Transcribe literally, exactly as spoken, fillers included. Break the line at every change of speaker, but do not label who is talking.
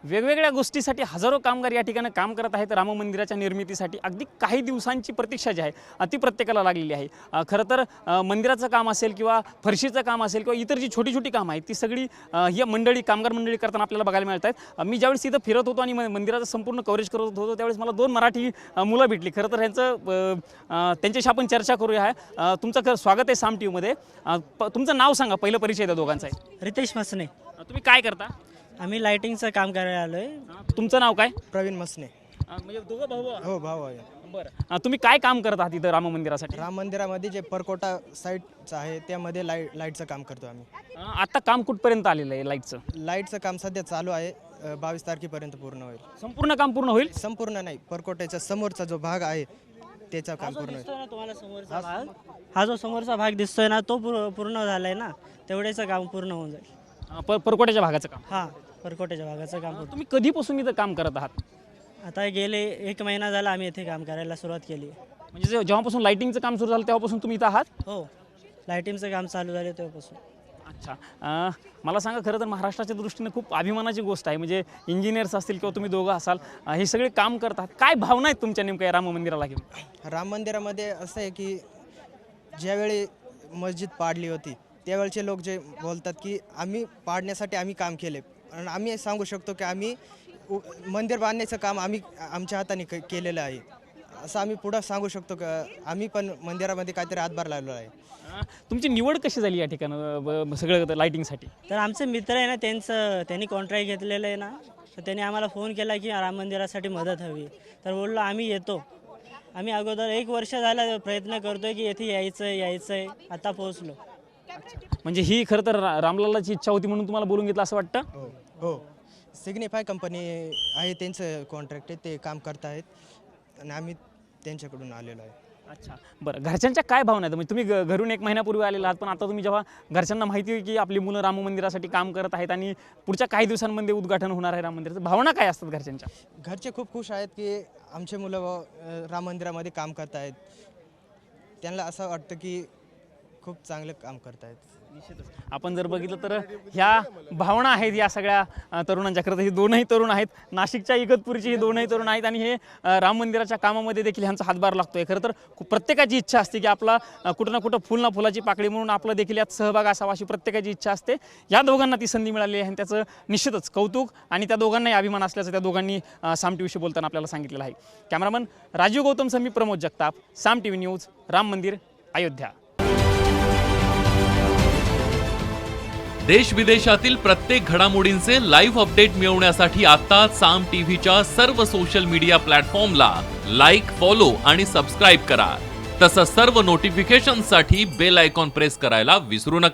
वेगवेगळ्या गोष्टीसाठी हजारो कामगार या ठिकाणी काम करत आहेत राम मंदिराच्या निर्मितीसाठी। अगदी काही दिवसांची प्रतीक्षा जी आहे ती प्रत्येकाला लागलेली आहे। खरं तर मंदिराचं काम असेल किंवा फरशीचं काम असेल किंवा इतर जी छोटी छोटी कामं आहेत ती सगळी ही मंडळी कामगार मंडळी करताना आपल्याला बघायला मिळत आहेत। मी ज्यावेळेस इथं फिरत होतो आणि मंदिराचं संपूर्ण कव्हरेज करत होतो त्यावेळेस मला दोन मराठी मुलं भेटली। खरं तर ह्यांचं त्यांच्याशी आपण चर्चा करूया। तुमचं खरं स्वागत आहे साम टी व्हीमध्ये। तुमचं नाव सांगा, पहिलं परिचय द्या दोघांचा आहे।
रितेश मसने।
तुम्ही काय करता?
आम्ही लाइटिंगचं काम करायला आलोय।
तुमचं नाव काय?
प्रवीण मसने।
म्हणजे दोघं भाऊ?
हो, भाऊ आहे।
बरं, तुम्ही काय काम करत आहात इथं राम मंदिरासाठी?
राम मंदिरामध्ये जे परकोटा साईटचं आहे त्यामध्ये लाईट लाईटचं काम करतो आम्ही।
आता काम कुठपर्यंत आलेलं आहे लाईटचं?
लाईटचं काम सध्या चालू आहे, बावीस तारखेपर्यंत पूर्ण होईल।
संपूर्ण काम पूर्ण होईल?
संपूर्ण नाही, परकोट्याच्या समोरचा जो भाग आहे त्याचं काम पूर्ण होईल।
तुम्हाला समोरचा भाग, हा जो समोरचा भाग दिसतोय ना तो पूर्ण झालाय ना, तेवढेचं काम पूर्ण होऊन जाईल।
पर परकोट्याच्या भागाचं काम?
हा, परकोट्याच्या भागाचं काम।
तुम्ही कधीपासून इथं काम करत आहात?
आता गेले एक महिना झाला आम्ही इथे काम करायला सुरुवात केली।
म्हणजे जेव्हापासून लाइटिंगचं काम सुरू झालं तेव्हापासून तुम्ही इथं आहात?
हो, लाइटिंगचं काम चालू झालं तेव्हापासून।
अच्छा, मला सांगा, खरं तर महाराष्ट्राच्या दृष्टीने खूप अभिमानाची गोष्ट आहे। म्हणजे इंजिनियर्स असतील किंवा तुम्ही दोघं असाल, हे सगळे काम करतात, काय भावना आहेत तुमच्या नेमक्या राम मंदिराला घेऊन?
राम मंदिरामध्ये असं आहे की ज्यावेळी मस्जिद पाडली होती त्यावेळचे लोक जे बोलतात की आम्ही पाडण्यासाठी आम्ही काम केले, आणि आम्ही सांगू शकतो की आम्ही मंदिर बांधण्याचं काम आम्ही आमच्या हाताने केलेलं आहे, असं आम्ही पुढं सांगू शकतो का आम्ही पण मंदिरामध्ये काहीतरी हातभार लावलेला आहे।
तुमची निवड कशी झाली या ठिकाणं सगळं लाइटिंगसाठी?
तर आमचे मित्र आहे ना, त्यांचं त्यांनी कॉन्ट्रॅक्ट घेतलेलं आहे ना, तर त्यांनी आम्हाला फोन केला की राम मंदिरासाठी मदत हवी, तर बोललो आम्ही येतो। आम्ही अगोदर एक वर्ष झाला प्रयत्न करतोय की येथे यायचं यायचं आहे, आता पोहोचलो।
म्हणजे ही खरं तर रामलालाची इच्छा होती म्हणून तुम्हाला बोलून घेतलं असं वाटतं?
हो हो, सिग्निफाय कंपनी आहे, त्यांचं कॉन्ट्रॅक्ट आहे, ते काम करत आहेत आणि आम्ही त्यांच्याकडून आलेलो आहे।
अच्छा, बरं, घरच्यांच्या काय भावना आहेत? म्हणजे तुम्ही घरून एक महिन्यापूर्वी आलेला आहात, पण आता तुम्ही जेव्हा घरच्यांना माहिती आहे की आपली मुलं राम मंदिरासाठी काम करत आहेत आणि पुढच्या काही दिवसांमध्ये उद्घाटन होणार आहे राम मंदिराचं, भावना काय असतात घरच्यांच्या?
घरचे खूप खुश आहेत की आमचे मुलं राम मंदिरामध्ये काम करत आहेत, त्यांना असं वाटतं की खूप चांगलं काम करत आहेत।
आपण जर बघितलं तर ह्या भावना आहेत या सगळ्या तरुणांच्या। खरं तर हे दोनही तरुण आहेत, नाशिकच्या इगतपुरीचे हे दोनही तरुण आहेत आणि हे राम मंदिराच्या कामामध्ये देखील ह्यांचा हातभार लागतोय। खरं तर प्रत्येकाची इच्छा असते की आपला कुठं ना कुठं फुल ना फुलाची पाकळी म्हणून आपलं देखील यात सहभाग असावा, अशी प्रत्येकाची इच्छा असते। या दोघांना ती संधी मिळाली आहे आणि त्याचं निश्चितच कौतुक आणि त्या दोघांनाही अभिमान असल्याचं त्या दोघांनी साम टी व्हीशी बोलताना आपल्याला सांगितलेलं आहे। Cameraman Rajeev Gautam Sami, Pramod Jagtap, Saam T V news, Ram Mandir, Ayodhya.
देश विदेशातील प्रत्येक घडामोडींचे लाईव्ह अपडेट मिळवण्यासाठी आता साम टीव्हीच्या सर्व सोशल मीडिया प्लॅटफॉर्मला लाईक, फॉलो आणि सबस्क्राईब करा। तसंच सर्व नोटिफिकेशनसाठी बेल आयकॉन प्रेस करायला विसरू नका।